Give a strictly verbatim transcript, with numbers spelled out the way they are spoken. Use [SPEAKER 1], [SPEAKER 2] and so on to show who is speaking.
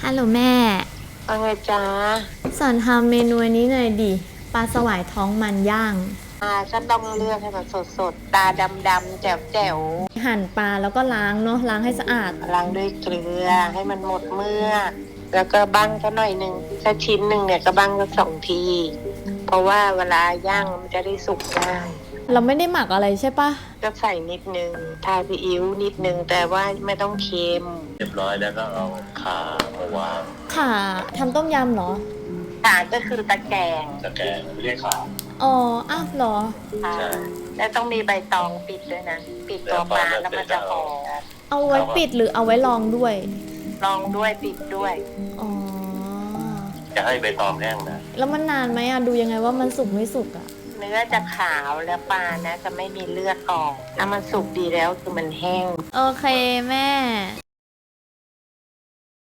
[SPEAKER 1] ฮัลโหลแม่
[SPEAKER 2] ว่าไงจ๊ะ
[SPEAKER 1] สอนทำเมนูอันนี้หน่อยดิปลาสวายท้องมันย่าง
[SPEAKER 2] อ่าฉันต้องเลือกให้มันสดๆ ตาดำๆ แจ๋ว
[SPEAKER 1] หั่นปลาแล้วก็ล้างเนาะล้างให้สะอาด
[SPEAKER 2] ๆล้างด้วยเกลือให้มันหมดเมือกแล้วก็บั้งก็หน่อยหนึ่งถ้าชิ้นหนึ่งเนี่ยก็บั้งก็สองที เพราะว่าเวลาย่างมันจะได้สุกง่าย
[SPEAKER 1] เราไม่ได้หมักอะไรใช่ปะ
[SPEAKER 2] ก็ใส่นิดนึงทาซีอิ๊วนิดนึงแต่ว่าไม่ต้องเค็ม
[SPEAKER 3] เรียบร้อยแล้วก็เอาขามาวาง
[SPEAKER 1] ค่ะทำต้มยำเหรอ
[SPEAKER 2] ขาก็คือตะแกรง
[SPEAKER 3] ตะแกรงไม่เรียกขา
[SPEAKER 1] อ๋ออ้าวเหรอ
[SPEAKER 2] ค่ะ
[SPEAKER 3] ใช่
[SPEAKER 2] แล้วต้องมีใบตองปิดด้วยนะ ปิดตัวปลาแล้วมันจะหอม
[SPEAKER 1] เอาไว้ปิดหรือเอาไว้ลองด้วย
[SPEAKER 2] ลองด้วยปิดด้วย
[SPEAKER 1] อ๋อ
[SPEAKER 3] จะให้ใบตองแห้งนะ
[SPEAKER 1] แล้วมันนานไหมอะดูยังไงว่ามันสุกไม่สุกอะ
[SPEAKER 2] เนื้อจะขาวแล้วปลานะจะไม่มีเลือดออกถ้ามันสุกดีแล้วคือมันแห้ง
[SPEAKER 1] โอเคแม่